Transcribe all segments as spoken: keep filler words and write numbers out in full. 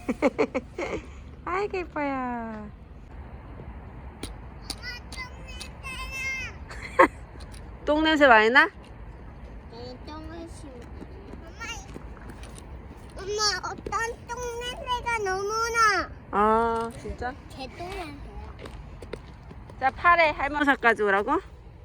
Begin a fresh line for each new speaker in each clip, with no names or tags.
아이고 예뻐요. 똥 냄새 많이 나?
네, 똥을 심어. 엄마, 엄마 어떤 똥 냄새가 너무 나.
아 진짜?
개똥 냄새야.
자 팔에 할머니 삽 가져오라고?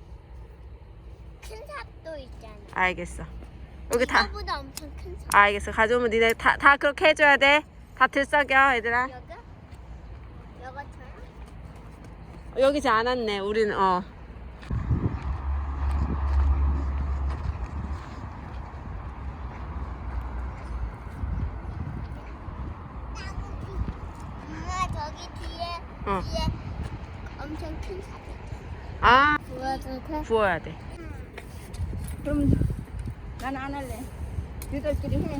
큰 삽도 있잖아.
알겠어. 여기 다.
이거보다 엄청 큰 삽.
알겠어. 가져오면 니네 다, 다 그렇게 해줘야 돼. 다 들썩여 얘들아.
여기? 여거처럼?
여기지 않았네. 우리는 어.
엄마 저기 뒤에
어.
뒤에 엄청 큰 삽 있잖아.
아
부어도 돼?
부어야 돼.
그럼 나는 안 할래. 너희들끼리 해.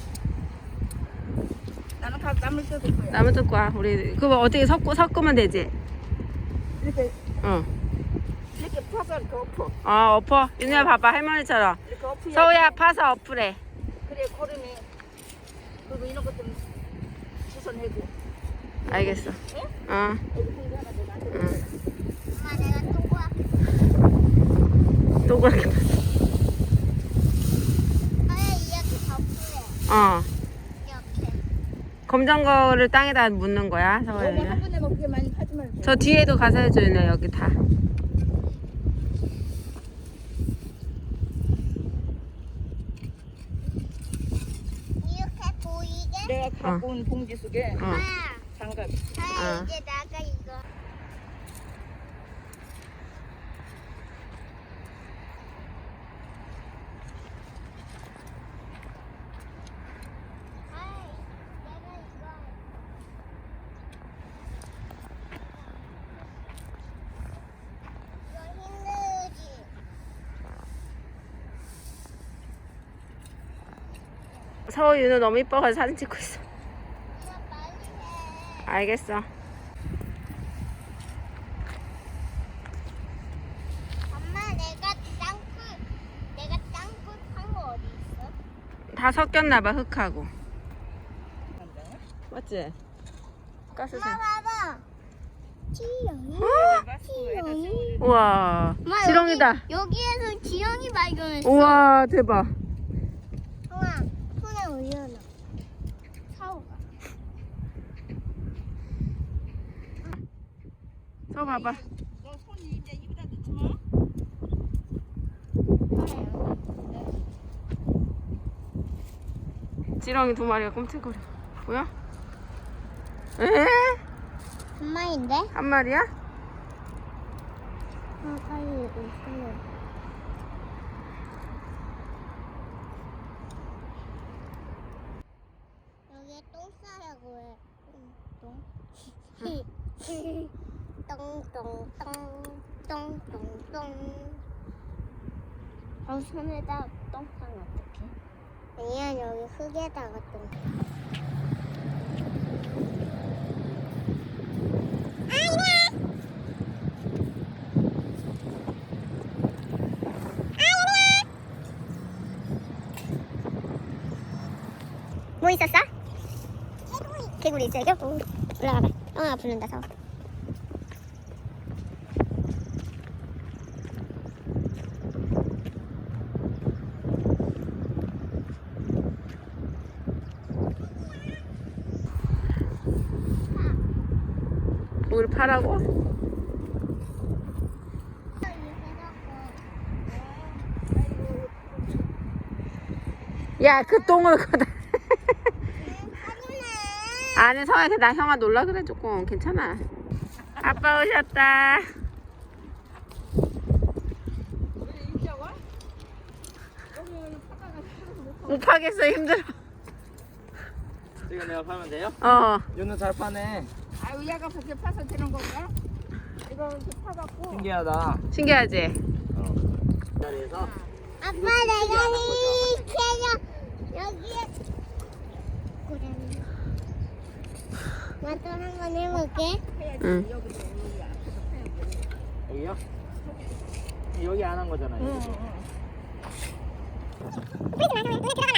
나는 각 남을 뜯을 거야.
나무 뜯고 와. 우리 그거 어떻게 섞고 섞으면 되지?
이렇게
응.
이렇게 퍼서 이렇게 엎어.
어 엎어. 윤희야 봐봐 할머니처럼.
이렇게 엎어야
서우야 파서 엎으래.
그래 고름이. 그리고 이런 것 좀 주워내고.
알겠어.
예?
어.
여기 공기 하나 더 놔둬.
응.
엄마 내가 또 구할게.
또 그렇게.
아예 이렇게 덮으래.
어.
이렇게.
검정 거를 땅에다 묻는 거야
너무 한
서우야.
번에 먹게 많이 하지 말고.
저 뒤에도 가서 해줘 윤희야 여기 다.
이렇게 보이게?
내가 갖고 온 봉지 속에
어.
엄마.
장갑.
아
어.
이제 나가 이거. 아이, 내가 이거. 이거 힘들지.
서우 윤우 너무 이뻐가지고 사진 찍고 있어.
이거 빨리 해.
알겠어.
엄마 내가 땅굴 내가 땅굴 판 거 어디 있어?
다 섞였나봐 흙하고. 맞지? 가스색.
엄마 봐봐. 지렁이. 지렁이.
우와
엄마,
지렁이다.
여기, 여기에서 지렁이 발견했어.
우와 대박.
형아 손에 올려놔. 사오가.
서우 봐봐.
너 손이 이제 입에다 넣지 마.
지렁이 두 마리가 꿈틀거려. 뭐야? 에?
엄마인데?
한 마리야?
어, 빨리 있어요. 여기에 똥 싸라고 해. 똥. 똥똥똥 똥똥똥. 어, 손에다 똥 싸면 어떡해? 아니야, 여기 흙에다가 똥. 뭐 있었어? 개구리. 개구리 있어 여기? 어, 올라가봐. 어, 부른다 서.
물 파라고? 야 그 똥을 거다. 아니 서야 나 형아 놀라 그래 조금 괜찮아. 아빠 오셨다. 못 파겠어 힘들어.
이거 내가 파면 돼요?
어.
윤우 잘 파네.
아유 얘가 그렇게 파서 되는 건가? 이거 이렇게 파갖고.
신기하다.
신기하지?
어. 이 자리에서
아빠 내가 이렇게 여기에 고라니. 나도 한번 해볼게.
응.
여기도 여기 앞에서 파야 돼.
여기요? 여기 안 한 거잖아요.
응,
여기.
응.
그러지 마, 그냥 들어가.